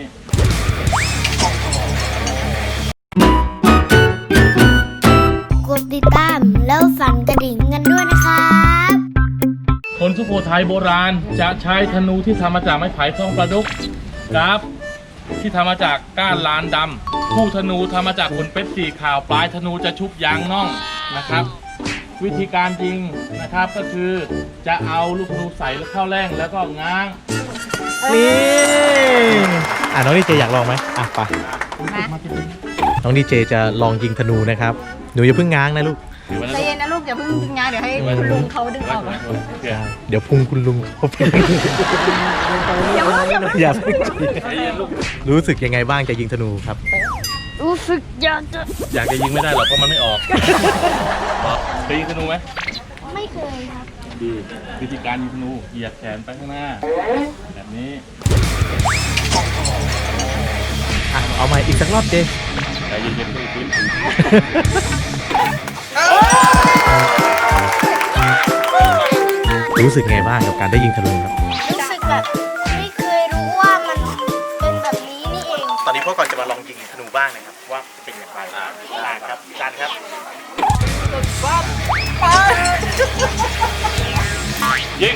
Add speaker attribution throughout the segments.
Speaker 1: กดติดตามแล้วสั่นกระดิ่งกันด้วยนะครับ
Speaker 2: คนสุโขทัยโบราณจะใช้ธนูที่ทำมาจากไม้ไผ่ทองประดุกครับที่ทำมาจากก้านลานดำคู่ธนูทำมาจากขนเป็ดสีขาวปลายธนูจะชุบยางน่องนะครับ วิธีการจริงนะครับก็คือจะเอาลูกธนูใส่เข้าแร่งแล้วก็ง้าง
Speaker 3: นี่น้องดีเจอยากลองไหมไปน้องดีเจจะลองยิงธนูนะครับหนูอย่าเพิ่งง้างนะลูก
Speaker 4: ใจเย็นนะลูกอย่าเพิ่งดึงงานเดี๋ยวให้คุณลุงเขาดึงออกนะ
Speaker 3: เดี๋ยวพุงคุณลุงเขาไปอย่าเพิ่งรู้สึกยังไงบ้างจะยิงธนูครับ
Speaker 1: รู้สึกอยากจะ
Speaker 2: ยิงไม่ได้หรอกเพราะมันไม่ออกเคยยิงธนูไหม
Speaker 1: ไม่เคยครับ
Speaker 2: ดีวิธีการยิงธนูเหยียดแขนไปข้างหน้าแบบนี้
Speaker 3: เอาใหม่อีกสักรอบเจ
Speaker 2: ใจเย็นๆด้วยพื้น
Speaker 3: รู้สึกไงบ้างกับการได้ยิงธนูครับ
Speaker 1: รู้สึกแบบไม่เคยรู้ว่ามันเป็นแบบนี้นี่เอง
Speaker 3: ตอนนี้พ่อก่อนจะมาลองยิงธนูบ้างนะครับว่าเป็นอย่างไรได้ครับจานครับ
Speaker 2: ยิง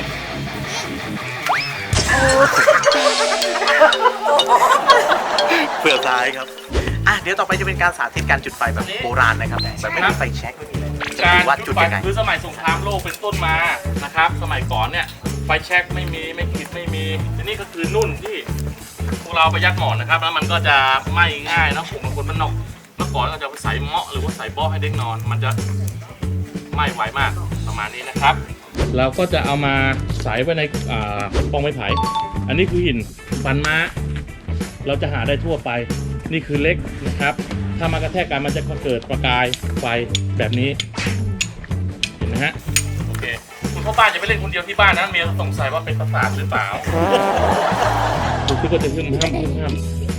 Speaker 3: เผื่อซ้ายครับเดี๋ยวต่อไปจะเป็นการสาธิตการจุดไฟแบบโบราณนะครับแบบไม่มีไฟแช็กไม่มีอะไรจะ
Speaker 2: การ
Speaker 3: ดูว่าจุดยังไง
Speaker 2: คือสมัยสงครามโลกเป็นต้นมานะครับ สมัยก่อนเนี่ยไฟแช็กไม่มีไม่ขีดไม่มีทีนี้ก็คือนุ่นที่พวกเราไปยัดหมอนนะครับแล้วมันก็จะไหม้ง่ายนะผมบางคนมันนอกเมื่อก่อนก็จะไปใส่เมาะหรือว่าใส่เบ้อให้เด็กนอน มันจะไหม้ไวมากประมาณนี้นะครับ เราก็จะเอามาใส่ไว้ในปองไม้ไผ่อันนี้คือหินฟันม้าเราจะหาได้ทั่วไปนี่คือเล็กนะครับถ้ามากระแทกกันมันจะเกิดประกายไฟแบบนี้เห็นไหมฮะโอเคคุณพ่อบ้านจะไปเล่นคนเดียวที่บ้านนะเมียสงสัยว่าเป็นประสาทหรือเปล่าคุณก็จะขึ้นห้าม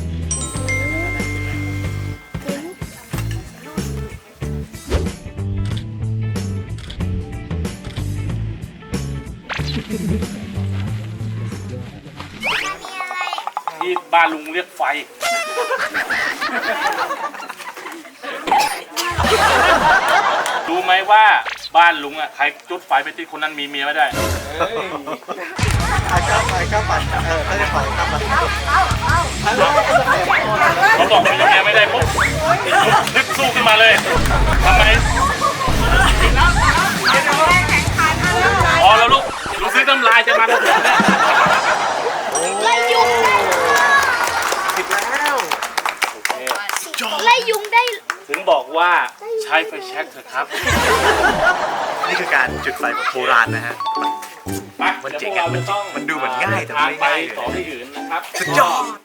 Speaker 2: ที่บ้านลุงเรียกไฟรู้ไหมว่าบ้านลุงอ่ะใครจุดไฟไปติดคนนั้นมีเมียไม่ได้เขาบอกมีเมียไม่ได้ปุ๊บนึกสู้ขึ้นมาเลยทำไมพอแล้วลูกดูซื้อน้ำลายจะมาแล้วเนี่ย
Speaker 1: ไล่ยุงได้
Speaker 3: ผิดแล้ว
Speaker 1: ไล่ยุงได้
Speaker 2: ถึงบอกว่าใช้ไฟแช็กเถอะครับ
Speaker 3: นี่คือการจุดไฟแบบโบราณนะฮะ
Speaker 2: ไป
Speaker 3: มันเจ๋ง
Speaker 2: ดี๋ยวพวกรา
Speaker 3: มันดูเหมือนง่ายแต่ไม่
Speaker 2: ไป
Speaker 3: ง่ายเลย
Speaker 2: ต่อที่อื่นนะครับ
Speaker 3: สุดยอด